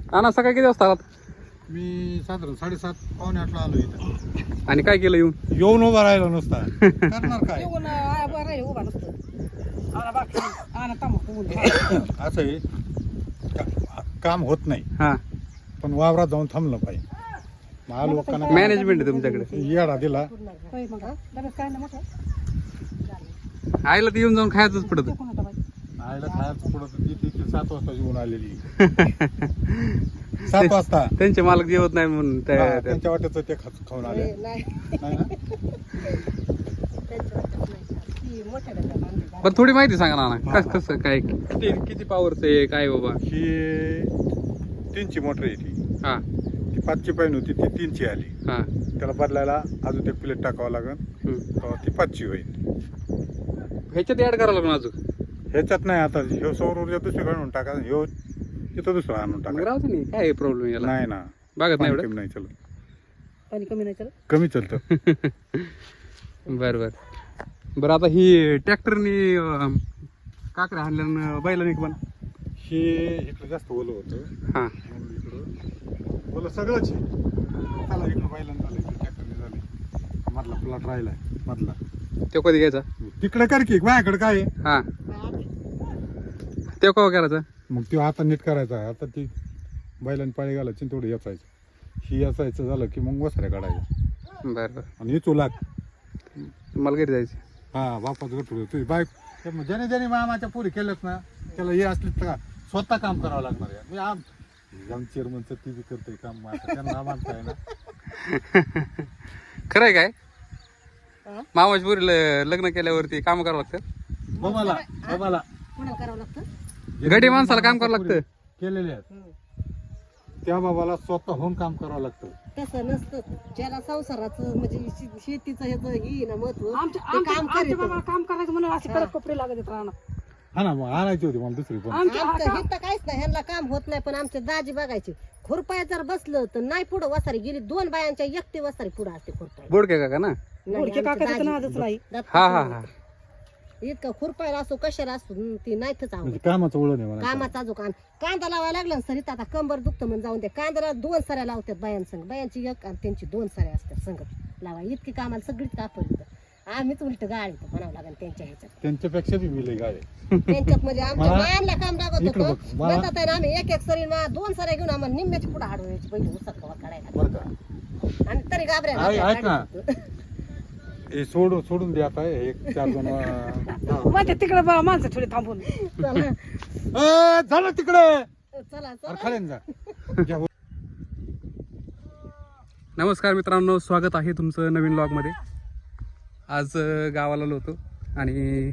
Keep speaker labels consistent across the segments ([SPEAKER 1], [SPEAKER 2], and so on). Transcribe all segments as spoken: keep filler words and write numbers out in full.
[SPEAKER 1] आणा सकाळी किती वाजता आलात?
[SPEAKER 2] मी साधारण साडेसात पावणे आठला आलो इथं.
[SPEAKER 1] आणि काय केलं येऊन?
[SPEAKER 2] येऊन उभा राहिला नुसता करणार काय
[SPEAKER 3] येऊन आ, बरं आहे, उभा नसतं. आणा बाकी आणा तंबाखू बोलू.
[SPEAKER 2] असं आहे का- काम होत नाही
[SPEAKER 1] हा
[SPEAKER 2] पण वावरात जाऊन थांबलं पाहिजे. मग लोकांना
[SPEAKER 1] मॅनेजमेंट आहे तुमच्याकडे.
[SPEAKER 2] येडा दिला.
[SPEAKER 3] होय मग हा? डब्यात काय ना मोठं
[SPEAKER 1] आईला तर येऊन जाऊन खायचंच पडत.
[SPEAKER 3] कोण होता बाई?
[SPEAKER 2] आईला खायचं पुढं तर ती तिथे सात वाजता येऊन आलेली सात वाजता
[SPEAKER 1] त्यांचे मालक जेवत नाही म्हणून
[SPEAKER 2] हा,
[SPEAKER 1] त्या- त्या-
[SPEAKER 2] त्यांच्या वाट्याचं ते खा- खाऊन आले
[SPEAKER 3] नाही, नाही.
[SPEAKER 2] नाही ना?
[SPEAKER 3] त्यांच्या वाटत नाही. ती मोठ्या डब्यात आणली.
[SPEAKER 1] पण थोडी माहिती सांगा ना
[SPEAKER 2] हा,
[SPEAKER 1] कस कसं काय किती किती पॉवरचं आहे काय बाबा?
[SPEAKER 2] ही तीनची मोटर आहे ती
[SPEAKER 1] हा
[SPEAKER 2] ती पाचची पाहिजे होती ती तीनची आली.
[SPEAKER 1] हा
[SPEAKER 2] त्याला बदलायला अजून ते प्लेट टाकावं लागेल
[SPEAKER 1] हम्म.
[SPEAKER 2] तेव्हा ती पाचची होईल.
[SPEAKER 1] ह्याच्यात ऍड करावं लागणार अजून.
[SPEAKER 2] ह्याच्यात नाही आता ह्यो सौर ऊर्जा दुसरीकडे आणून टाका ह्यो तिथं दुसरं आणून
[SPEAKER 1] मग
[SPEAKER 2] टाका.
[SPEAKER 1] राहू दे नाही काय प्रॉब्लेम याला.
[SPEAKER 2] नाही ना
[SPEAKER 1] बघत नाही
[SPEAKER 2] पाणी
[SPEAKER 1] एवढं.
[SPEAKER 2] कमी नाही चलत
[SPEAKER 3] पाणी कमी नाही चल.
[SPEAKER 2] कमी चलतं.
[SPEAKER 1] बर बर बरं आता ही ट्रॅक्टरनी काकड्या हाणल्या बैलांनी पण.
[SPEAKER 2] हे इकडं जास्त ओलं होतं
[SPEAKER 1] हा
[SPEAKER 2] म्हणून इकडं ओलं सगळंच आहे. चला इकडं बैलांना झालं इकडं ट्रॅक्टरने झाले मधला प्लॉट राहिलाय मधला
[SPEAKER 1] तो कधी घ्यायचा?
[SPEAKER 2] तिकडे कर की माझ्याकडे काय आहे
[SPEAKER 1] हा तो केव्हा करायचा?
[SPEAKER 2] मग ते आता नीट करायचा. आता ती बैलांनी पाळी घालायची आणि थोडं याचायचं ही याचायचं झालं की मग वसऱ्या काढायचं
[SPEAKER 1] बर बर
[SPEAKER 2] आणि इचू लाग.
[SPEAKER 1] मला घरी जायचं.
[SPEAKER 2] हा बापाचं गठुड तुझी बाईक ज्याने ज्याने मामाच्या पुरी केलंच ना त्याला हे असली तर स्वतः काम करावं लागणार आहे. मी आम आम चेअरमनचं टी व्ही करतोय काम आता त्यांना मानताय ना.
[SPEAKER 1] खरंय काय?
[SPEAKER 3] हा?
[SPEAKER 1] मामाच्या पुरीला लग्न केल्यावरती काम करावं लागतं.
[SPEAKER 2] बाबाला बाबाला
[SPEAKER 3] कोणाला करावं लागतं?
[SPEAKER 1] गडी माणसाला काम करावं लागतं.
[SPEAKER 2] केलेले आहेत
[SPEAKER 3] हं.
[SPEAKER 2] त्या बाबाला स्वतःहून काम करावं लागतं.
[SPEAKER 3] तसं नसतं. ज्याला संसाराचं म्हणजे शे- शेतीचं ह्याचं हे ना महत्व
[SPEAKER 4] आमच्या
[SPEAKER 3] ते
[SPEAKER 4] आमच्या-
[SPEAKER 3] काम
[SPEAKER 4] आमच्या
[SPEAKER 3] करीत.
[SPEAKER 4] बाबाला काम करायचं म्हणून असे कडक कपडे लागत आहेत रानात.
[SPEAKER 2] हा ना मग आणायची होती मला दुसरी पण.
[SPEAKER 4] आमच्या
[SPEAKER 3] आमचं
[SPEAKER 4] आता-
[SPEAKER 3] हे तर काहीच नाही, ह्यांना काम होत नाही. पण आमचे दाजी बघायचे खुरपाय जर बसलं तर नाही पुढं वसारी गेली. दोन बायांच्या एकटी वसारी पुढं असते खुरपाय.
[SPEAKER 1] बोडके काका ना?
[SPEAKER 4] गुडके काकाचं तर नादच नाही.
[SPEAKER 1] हा हा हा
[SPEAKER 3] इतकं खुरपायला असो कशाला असो हं, ती नाहीच
[SPEAKER 2] म्हणजे
[SPEAKER 3] आवडत.
[SPEAKER 2] कामाचं वळण आहे मला.
[SPEAKER 3] कामाचा जो कान कांदा लावायला लागला ना सरीत आता कंबर दुखतं म्हणून जाऊन द्या. कांद्याला दोन सऱ्या लावतात बायांसंग. बायांची एक आणि त्यांची दोन सऱ्या असतात संगत लावा. इतकी कामाला सगळीच कापड आम्हीच उलट गाडी म्हणावं लागेल त्यांच्या ह्याच्यात.
[SPEAKER 2] त्यांच्यापेक्षा बी मी लय गाय
[SPEAKER 3] त्यांच्यात म्हणजे आमच्या
[SPEAKER 2] मला-
[SPEAKER 3] बायांना काम लागत
[SPEAKER 2] इकडं
[SPEAKER 3] होतं.
[SPEAKER 2] बघ, मला-
[SPEAKER 3] म्हणतात आहे ना आम्ही एक एक सरी मा- दोन सऱ्या घेऊन आम्हाला निम्म्याची पुढे हाडवायची पहिले उसक कवा काढायला.
[SPEAKER 2] बरं का.
[SPEAKER 3] आणि तरी घाबऱ्या
[SPEAKER 2] ऐक- ऐक ना.
[SPEAKER 3] घाबऱ्या
[SPEAKER 2] हे सोडून सोडून दे आता हे एक चार जण अं,
[SPEAKER 4] माझ्या तिकडे बा माणसं थोडी थांबून.
[SPEAKER 3] चला
[SPEAKER 2] ए, झालं तिकडे
[SPEAKER 3] चला
[SPEAKER 2] अरे
[SPEAKER 3] चला
[SPEAKER 2] खाली जा घ्या.
[SPEAKER 1] नमस्कार मित्रांनो, स्वागत आहे तुमचं नवीन व्लॉगमध्ये. आज अं, गावाला आलो होतो आणि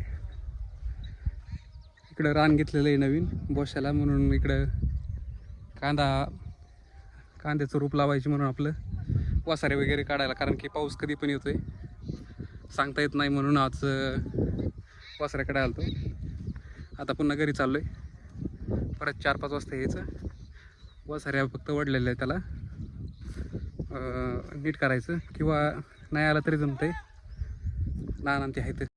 [SPEAKER 1] इकडं रान घेतलेलं आहे नवीन बोशाला, म्हणून इकडं कांदा कांद्याचं रोप लावायची म्हणून आपलं वासारे वगैरे काढायला, कारण की पाऊस कधी पण येतोय सांगता येत नाही, म्हणून आज अं, वासाऱ्याकडे आलो होतो. आता पुन्हा घरी चाललो आहे. परत चार पाच वाजता यायचं. वासाऱ्या फक्त वडलेलं आहे, त्याला नीट करायचं किंवा नाही आलं तरी जमतंय. लहान ते आहेत